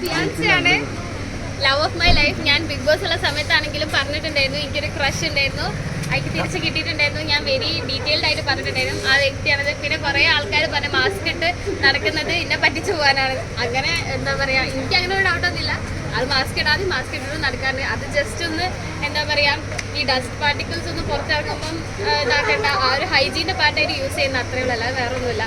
ഫിയാൻസിയാണ് love of my life. ഞാൻ big boss ഉള്ള സമയത്താണെങ്കിലും പറഞ്ഞിട്ടുണ്ടായിരുന്നു എനിക്കൊരു ക്രഷ് ഉണ്ടായിരുന്നു, അതിക്ക് തിരിച്ച് കിട്ടിയിട്ടുണ്ടായിരുന്നു. ഞാൻ വെരി ഡീറ്റെയിൽഡ് ആയിട്ട് പറഞ്ഞിട്ടുണ്ടായിരുന്നു ആ വ്യക്തിയാണത്. പിന്നെ കുറേ ആൾക്കാർ പറഞ്ഞ മാസ്ക് ഇട്ട് നടക്കുന്നത് എന്നെ പറ്റിച്ചു പോകാനാണ്. അങ്ങനെ എന്താ പറയുക, എനിക്ക് അങ്ങനെ ഒരു ഡൗട്ടൊന്നുമില്ല. അത് മാസ്ക് ഇടാതെ മാസ്ക് ഇട്ടിട്ട് നടക്കാറുണ്ട്. അത് ജസ്റ്റ് ഒന്ന് എന്താ പറയുക, ഈ ഡസ്റ്റ് പാർട്ടിക്കിൾസ് ഒന്ന് പുറത്തിറങ്ങുമ്പം ഇതാക്കേണ്ട ആ ഒരു ഹൈജീൻ്റെ പാർട്ടായിട്ട് യൂസ് ചെയ്യുന്ന അത്രയേ ഉള്ളൂ, അല്ലാതെ വേറെ ഒന്നുമില്ല.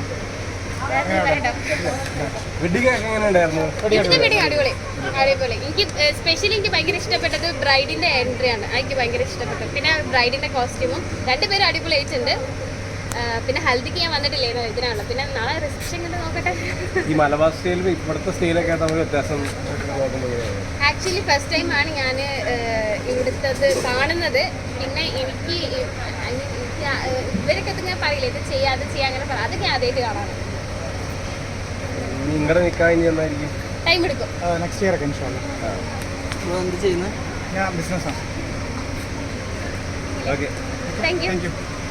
അടിപൊളി അടിപൊളി. എനിക്ക് സ്പെഷ്യലി എനിക്ക് ഭയങ്കര ഇഷ്ടപ്പെട്ടത് ബ്രൈഡിന്റെ എൻട്രിയാണ്, എനിക്ക് ഭയങ്കര ഇഷ്ടപ്പെട്ടു. പിന്നെ ബ്രൈഡിന്റെ കോസ്റ്റ്യൂമും രണ്ടുപേരും അടിപൊളിയായിട്ടുണ്ട്. പിന്നെ ഹൽദിക്ക് ഞാൻ വന്നിട്ടില്ലായിരുന്നു, ഇതിനാണല്ലോ. പിന്നെ നാളെ റിസപ്ഷൻ കണ്ട് നോക്കട്ടെ. ഈ മലബാർ സ്റ്റൈലും ഇവിടുത്തെ സ്റ്റൈലൊക്കെ തമ്മിൽ വ്യത്യാസം? ആക്ച്വലി ഫസ്റ്റ് ടൈമാണ് ഞാൻ ഇവിടുത്തത് കാണുന്നത്. പിന്നെ എനിക്ക് ഇവരൊക്കെ ഇങ്ങനെ പറയില്ല ഇത് ചെയ്യാം അത് ചെയ്യാം അങ്ങനെ പറയാം, അതൊക്കെ ആദ്യമായിട്ട് കാണാറ്. നിങ്ങളുടെ നിൽക്കാൻ ടൈം എടുക്കും. നെക്സ്റ്റ് ഇയർ ഒക്കെ ഇൻഷാല്ലാ. എന്ത് ചെയ്യുന്നത്? ഞാൻ ബിസിനസ്സാണ്. Okay, thank you.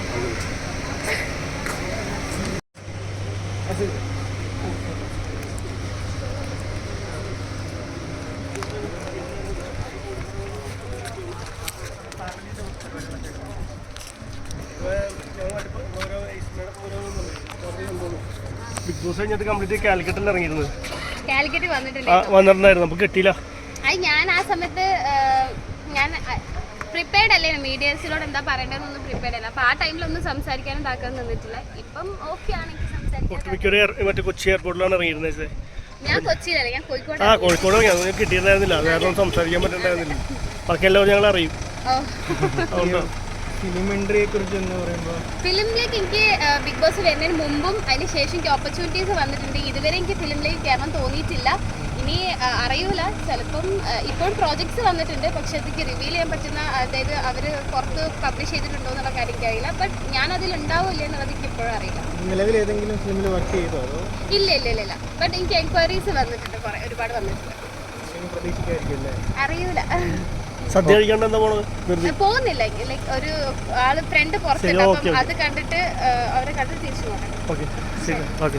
Big boss കഴിഞ്ഞിട്ട് കംപ്ലീറ്റ് കാലിക്കറ്റിൽ ഇറങ്ങിയിരുന്നത്. കാലിക്കറ്റ് വന്നിട്ടുണ്ടായിരുന്നു, നമുക്ക് കിട്ടിയില്ല. അത് ഞാൻ ആ സമയത്ത് ഞാൻ പ്രിപ്പയർഡ് അല്ലേ, മീഡിയസിനോട് എന്താ പറയേണ്ടതെന്നൊന്നും പ്രിപ്പയർഡ് അല്ല. അപ്പോൾ ആ ടൈമിലൊന്നും സംസാരിക്കാനും ഇതാക്കാനും നിന്നിട്ടില്ല. ഇപ്പം ഓക്കെ ആണ് എനിക്ക് സംസാരിക്കാൻ. മറ്റേ കൊച്ചി എയർപോർട്ടിലാണ് ഇറങ്ങിയിരുന്നത്. ഞാൻ കൊച്ചിയിലല്ല, ഞാൻ കോഴിക്കോട്. കോഴിക്കോട് കിട്ടിയിട്ടുണ്ടായിരുന്നില്ല, വേറെ സംസാരിക്കാൻ പറ്റുന്നുണ്ടായിരുന്നില്ല. ബാക്കി എല്ലാവരും ഞങ്ങൾ അറിയും. ഫിലിമിൻഡ്രിയെ കുറിച്ച് എന്ന് പറയുമ്പോൾ ഫിലിമിലേക്ക് എനിക്ക് ബിഗ് ബോസ് വരുന്നതിന് മുമ്പും അതിന് ശേഷം എനിക്ക് ഓപ്പർച്യൂണിറ്റീസ് വന്നിട്ടുണ്ട്. ഇതുവരെ എനിക്ക് ഫിലിമിലേക്ക് കയറാൻ തോന്നിയിട്ടില്ല. ഇനി അറിയൂല, ചിലപ്പം ഇപ്പോൾ പ്രോജക്ട്സ് വന്നിട്ടുണ്ട്, പക്ഷെ അതൊക്കെ റിവീൽ ചെയ്യാൻ പറ്റുന്ന, അതായത് അവർ പുറത്ത് പബ്ലിഷ് ചെയ്തിട്ടുണ്ടോ എന്നുള്ള കാര്യം എനിക്കറിയില്ല. ബട്ട് ഞാൻ അതിലുണ്ടാവില്ല എന്നുള്ളത് എനിക്ക് ഇപ്പോഴും അറിയില്ല. നിലവിൽ ഏതെങ്കിലും ഫിലിമിൽ വർക്ക് ചെയ്തോ അതോ? ഇല്ല ഇല്ല ഇല്ല ഇല്ല. ബട്ട് എനിക്ക് എൻക്വയറീസ് വന്നിട്ടുണ്ട്, ഒരുപാട് വന്നിട്ടുണ്ട്. അറിയൂല. സദ്യ കഴിക്കാണ്ട് എന്താ പോണത്? പോകുന്നില്ല, ലൈക്ക് ഒരു ആള് ഫ്രണ്ട് പുറത്തുണ്ട്, അപ്പം അത് കണ്ടിട്ട് അവരെ കണ്ടിട്ട് തിരിച്ചു പോകണം. ഓക്കെ ശരി, ഓക്കെ.